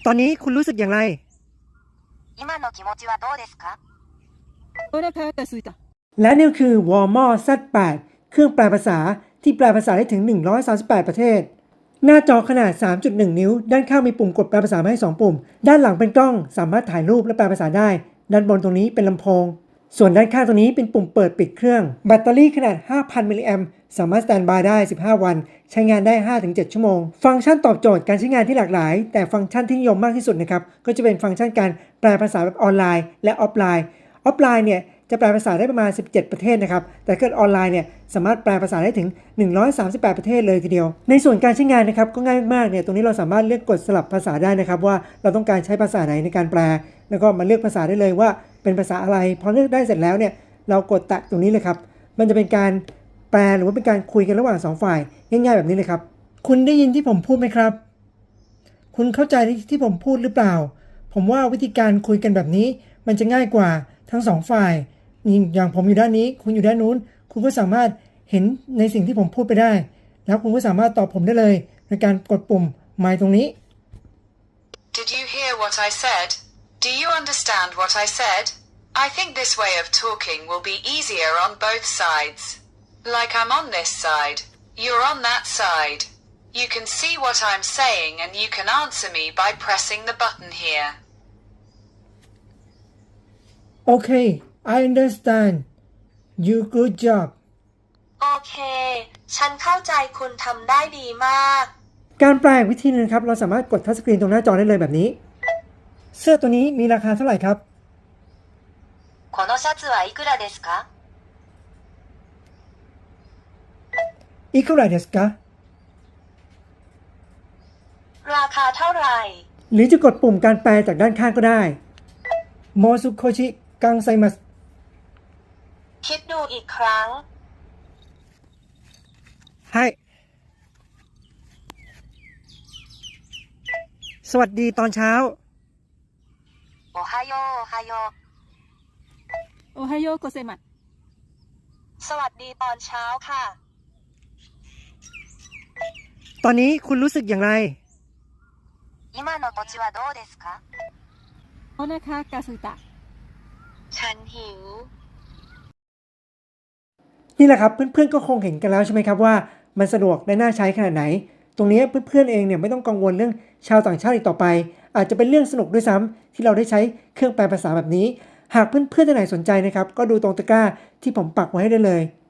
ตอนนี้คุณรู้สึกอย่างไร今の気持ちはどうですかお腹が空いた。 และนี่คือ Walmart Z8 เครื่องแปลภาษาที่แปลภาษาได้ถึง138ประเทศหน้าจอขนาด 3.1 นิ้วด้านข้างมีปุ่มกดแปลภาษามาให้2ปุ่มด้านหลังเป็นกล้องสามารถถ่ายรูปและแปลภาษาได้ด้านบนตรงนี้เป็นลำโพงส่วนด้านข้างตรงนี้เป็นปุ่มเปิดปิดเครื่องแบตเตอรี่ขนาด 5,000 มิลลิแอมป์สามารถสแตนด์บายได้15 วันใช้งานได้ 5-7 ชั่วโมงฟังก์ชันตอบโจทย์การใช้งานที่หลากหลายแต่ฟังก์ชันที่นิยมมากที่สุดนะครับก็จะเป็นฟังก์ชันการแปลภาษาแบบออนไลน์และออฟไลน์เนี่ยจะแปลภาษาได้ประมาณ17ประเทศนะครับแต่เกิดออนไลน์เนี่ยสามารถแปลภาษาได้ถึง138ประเทศเลยทีเดียวในส่วนการใช้งานนะครับก็ง่ายมากเนี่ยตรงนี้เราสามารถเลือกกดสลับภาษาได้นะครับว่าเราต้องการใช้ภาษาไหนในการแปลแล้วก็มาเลือกภาษาได้เลยว่าเป็นภาษาอะไรพอเลือกได้เสร็จแล้วเนี่ยเรากดแตะตรงนี้เลยครับมันจะเป็นการแปลหรือว่าเป็นการคุยกันระหว่าง2ฝ่ายง่ายๆแบบนี้เลยครับคุณได้ยินที่ผมพูดไหมครับคุณเข้าใจที่ผมพูดหรือเปล่าผมว่าวิธีการคุยกันแบบนี้มันจะง่ายกว่าทั้ง2ฝ่ายอย่างผมอยู่ด้านนี้คุณอยู่ด้านนู้นคุณก็สามารถเห็นในสิ่งที่ผมพูดไปได้แล้วคุณก็สามารถตอบผมได้เลยในการกดปุ่มไมค์ตรงนี้ Did you hear what I said? Do you understand what I said? I think this way of talking will be easier on both sides. Like I'm on this side, you're on that side. You can see what I'm saying and you can answer me by pressing the button here. Okay, I understand. You good job. โอเค ฉันเข้าใจคุณทำได้ดีมากการแปลวิธีนึงครับเราสามารถกดทัชสกรีนตรงหน้าจอได้เลยแบบนี้เสื้อตัวนี้มีราคาเท่าไหร่ครับこのシャツはいくらですかいくらですかราคาเท่าไหร่หรือจะกดปุ่มการแปลจากด้านข้างก็ได้โมซุโคชิกังไซมัสคิดดูอีกครั้งはいสวัสดีตอนเช้าโอไฮโอโอไฮโอおはようございます。 สวัสดีตอนเช้าค่ะตอนนี้คุณรู้สึกอย่างไร今の土地はどうですかお腹が空いた。 ฉันหิวนี่แหละครับเพื่อนๆก็คงเห็นกันแล้วใช่ไหมครับว่ามันสะดวกและน่าใช้ขนาดไหนตรงนี้เพื่อนๆเองเนี่ยไม่ต้องกังวลเรื่องชาวต่างชาติอีกต่อไปอาจจะเป็นเรื่องสนุกด้วยซ้ำที่เราได้ใช้เครื่องแปลภาษาแบบนี้หากเพื่อนๆท่านไหนสนใจนะครับก็ดูตรงตะกร้าที่ผมปักไว้ให้ได้เลย